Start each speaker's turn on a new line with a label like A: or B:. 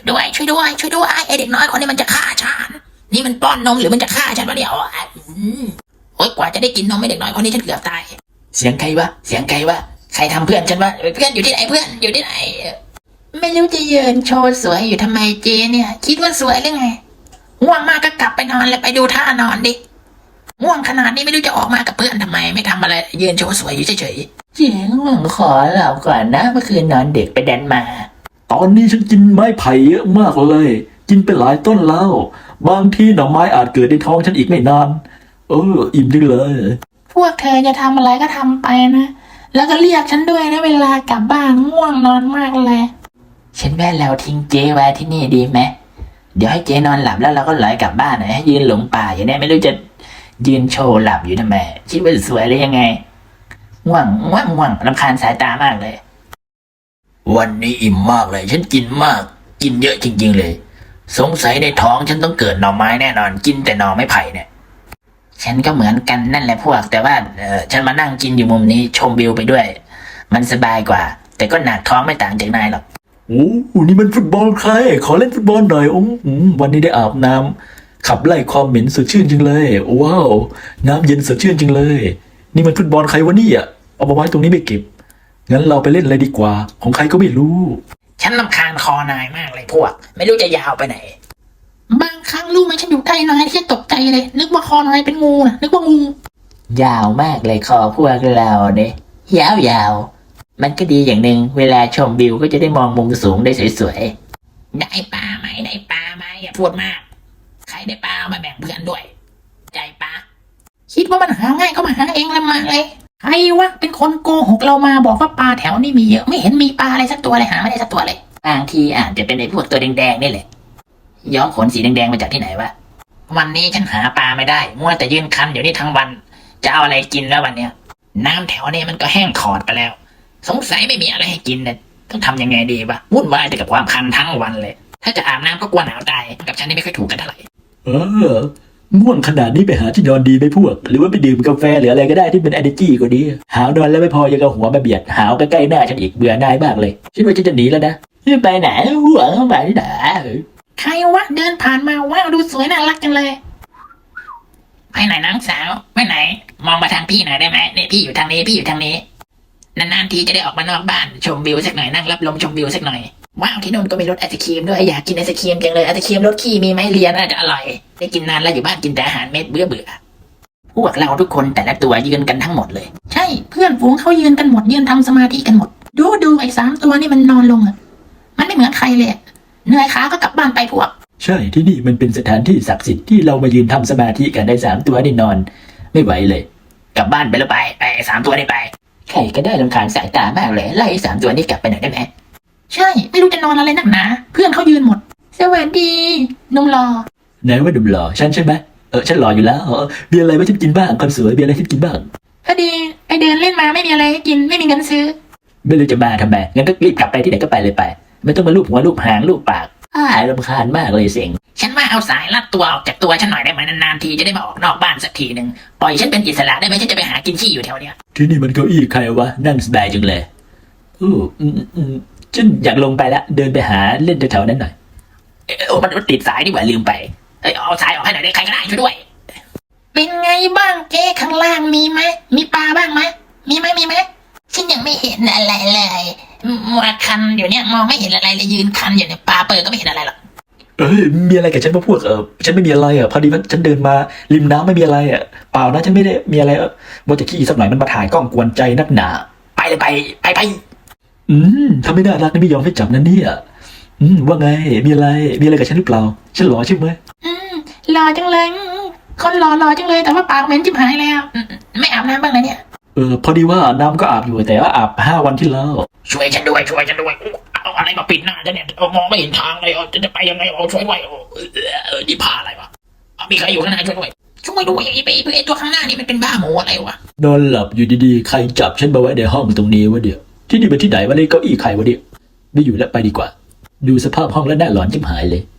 A: ด้วยช่วยด้วยช่วยด้วยไอเด็กน้อยคนนี้มันจะฆ่าฉันนี่มันป้อนนมหรือมันจะฆ่าฉันวะเนี่ยโอ๊ยกว่าจะได้กินนมไอเด็กน้อยคนนี้ฉันเกือบตายเสียงใครวะเสียงใครวะใครทำเพื่อนฉันวะเพื่อนอยู่ที่ไหนเพื่อนอยู่ที่ไหนไม่รู้จะยืนโชว์สวยอยู่ทำไมเจเนี่ยคิดว่าสวยหรือไงง่วงมากก็กลับไปนอนเลยไปดูท่านอนดิง่วงขนาดนี้ไม่รู้จะออกมากับเพื่อนทำไมไม่ทำอะไรยืนโชว์สวยอยู่เฉยๆเจ๋งง่วงขอหลับก่อนนะเมื่อคืนนอนเด็กไปดันมา
B: ตอนนี้ฉันกินไม้ไผ่เยอะมากเลยกินไปหลายต้นแล้วบางทีหน่อไม้อาจเกิดในท้องฉันอีกไม่นานอิ่มจังเลย
A: พวกเธอจะทำอะไรก็ทำไปนะแล้วก็เรียกฉันด้วยนะเวลากลับบ้านง่วงนอนมากเลยฉันว่าเราทิ้งเจไว้ที่นี่ดีไหมเดี๋ยวให้เจนอนหลับแล้วเราก็ลอยกลับบ้านให้ยืนหลงป่าอย่างนี้ไม่รู้จะยืนโชว์หลับอยู่ทำไมคิดว่าสวยหรือยังไงง่วงรำคาญสายตามากเลยวันนี้อิ่มมากเลยฉันกินมากกินเยอะจริงๆเลยสงสัยในท้องฉันต้องเกิดหน่อไม้แน่นอนกินแต่หน่อไม้ไผ่เนี่ยฉันก็เหมือนกันนั่นแหละพวกแต่ว่าฉันมานั่งกินอยู่มุมนี้ชมวิวไปด้วยมันสบายกว่าแต่ก็หนักท้องไม่ต่างจากนายหรอก
B: โอ้นี่มันฟุตบอลใครขอเล่นฟุตบอลหน่อยวันนี้ได้อาบน้ำขับไล่ความเหม็นสดชื่นจังเลยว้าวน้ำเย็นสดชื่นจังเลยนี่มันฟุตบอลใครวะเนี่ยเอามาไว้ตรงนี้ไม่เก็บงั้นเราไปเล่นอะไรดีกว่าของใครก็ไม่รู้
A: ฉันรำคาญคอนายมากเลยพวกไม่รู้จะยาวไปไหนบางครั้งรู้ไหมฉันอยู่ใกล้นายที่ตกใจเลยนึกว่าคอนายเป็นงูนะนึกว่างูยาวมากเลยคอพวกเราเนี่ยยาวมันก็ดีอย่างหนึ่งเวลาชมวิวก็จะได้มองมุมสูงได้สวยๆได้ปลาไหมอย่าพูดมากใครได้ปลามาแบ่งเพื่อนด้วยใจปลาคิดว่ามันหาง่ายก็มาหาเองละมาเลยใครวะเป็นคนโกหกเรามาบอกว่าปลาแถวนี้มีเยอะไม่เห็นมีปลาอะไรสักตัวเลยหาไม่ได้สักตัวเลยบางทีอาจจะเป็นไอ้พวกตัวแดงๆนี่แหละย้อมขนสีแดงๆมาจากที่ไหนวะวันนี้ฉันหาปลาไม่ได้มัวแต่ยืนคันอยู่นี่ทั้งวันจะเอาอะไรกินแล้ววันเนี้ยน้ำแถวนี้มันก็แห้งขอดไปแล้วสงสัยไม่มีอะไรให้กินเนี่ยต้องทำยังไงดีวะวุ่นวายแต่กับความคันทั้งวันเลยถ้าจะอาบน้ำก็กลัวหนาวตายกับฉันนี่ไม่ค่อยถูกกันเท่าไหร่
B: ง่วงขนาดนี้ไปหาที่นอนดีไหมพวกหรือว่าไปดื่มกาแฟหรืออะไรก็ได้ที่เป็น energy กว่านี้หาวนอนแล้วไม่พอยังเอาหัวมาเบียดหาวใกล้ๆหน้าฉันอีกเบื่อหน่ายมากเลยฉันว่าฉันจะหนีแล้วนะไปไหนหัวเข้าไปที่ไหนใครวะเดินผ่านมาว้าวดูสวยน่ารักจังเลยไปไหนน้องสาวไปไหนมองมาทางพี่หน่อยได้ไหมเนี่ยพี่อยู่ทางนี้นานๆทีจะได้ออกมานอกบ้านชมวิวสักหน่อยนั่งรับลมชมวิวสักหน่อยว้าวที่นู่นก็มีรสไอศครีมด้วยอยากกินไอศครีมจังเลยไอศครีมรสขี้มีไหมเรียนน่าจะอร่อยได้กินนานแล้วอยู่บ้านกินแต่อาหารเม็ดเบื่อพวกเราทุกคนแต่ละตัวยืนกันทั้งหมดเลยใช่เพื่อนฝูงเขายืนกันหมดยืนทำสมาธิกันหมดดูไอ้3 ตัวนี่มันนอนลงอ่ะมันไม่เหมือนใครเลยเหนื่อยขาก็กลับบ้านไปพวกใช่ที่นี่มันเป็นสถานที่ศักดิ์สิทธิ์ที่เรามายืนทำสมาธิกันได้3 ตัวนี่นอนไม่ไหวเลย
A: กลับบ้านไปแล้วไป3 ตัวนี่ไปใครก็ได้รำคาญสายตามากเลยไล่3 ตัวนี้กลับไปหน่อยได้ไหมใช่ไม่รู้จะนอนอะไรนักหนาเพื่อนเขายืนหมดสวัสดีนุ่มหล่อ
B: ไหนว่านุ่มหล่อฉันใช่ไหมฉันหล่ออยู่แล้วมีอะไรไว้ฉันกินบ้างคนสวยมีอะไรให้กินบ้าง
A: พอดีไอเดินเล่นมาไม่มีอะไรให้กินไม่มีเงินซื้อ
B: ไม่รู้จะมาทำไมงั้นก็รีบกลับไปที่ไหนก็ไปเลยไปไม่ต้องมาลูบหัวลูบหางลูบปากรำคาญมากเลยเสียง
A: ฉันว่าเอาสายลัดตัวออกจากตัวฉันหน่อยได้ไหมนานๆทีจะได้มาออกนอกบ้านสักทีนึงปล่อยฉันเป็นอิสระได้ไหมฉันจะไปหากินขี้อยู่แถวเนี้ย
B: ที่นี่มันเก้าอี้ใครวะนั่งสบายจังเลยฉันอยากลงไปละเดินไปหาเล่นแถวๆนั้นหน่อย
A: มันติดสายดีกว่าลืมไปเอาสายออกให้หน่อยได้ใครก็ได้ช่วยด้วยเป็นไงบ้างเจ๊ข้างล่างมีไหมมีปลาบ้างไหมมีไหมฉันยังไม่เห็นอะไรเลยมัวคันอยู่เนี่ยมองไม่เห็นอะไรเลยยืนคันอยู่เนี่ยปลาเปิดก็ไม่เห็นอะไรหรอก
B: มีอะไรกับฉันพวกฉันไม่มีอะไรพอดีว่าฉันเดินมาริมน้ำไม่มีอะไรเปล่านะฉันไม่ได้มีอะไรว่าจะขี้สักหน่อยมันมาถ่ายกล้องกวนใจนักหนา
A: ไปเลยไป
B: ทำไม่ได้รักนี่ไม่ยอมให้จับนั่นเนี่ยว่าไงมีอะไรกับฉันหรือเปล่าฉันหล่อใช่ไหม
A: หล่อจังเลยคนหล่อจังเลยแต่ว่าปากเหม็นจิบหายแล้วไม่อาบน้ำบ้างเลยเนี่ย
B: พอดีว่าน้ำก็อาบอยู่แต่ว่าอาบ5 วันที่แล้ว
A: ช่วยฉันด้วยเอาอะไรมาปิดหน้าฉันเนี่ยมองไม่เห็นทางเลยจะไปยังไงช่วยด้วยนี่พาอะไรวะมีใครอยู่ข้างหน้าช่วยด้วยไอ้ตัวข้างหน้านี่มันเป็นบ้าหมูอะไรวะ
B: นอนหลับอยู่ดีๆใครจับฉันมาไว้ในห้องตรงนี้วะเดี๋ยวที่นี่เป็นที่ไหนวะนี่เก้าอี้ใครวะเดี๋ยวไม่อยู่แล้วไปดีกว่าดูสภาพห้องแล้วน่าหลอนชิบหายเลย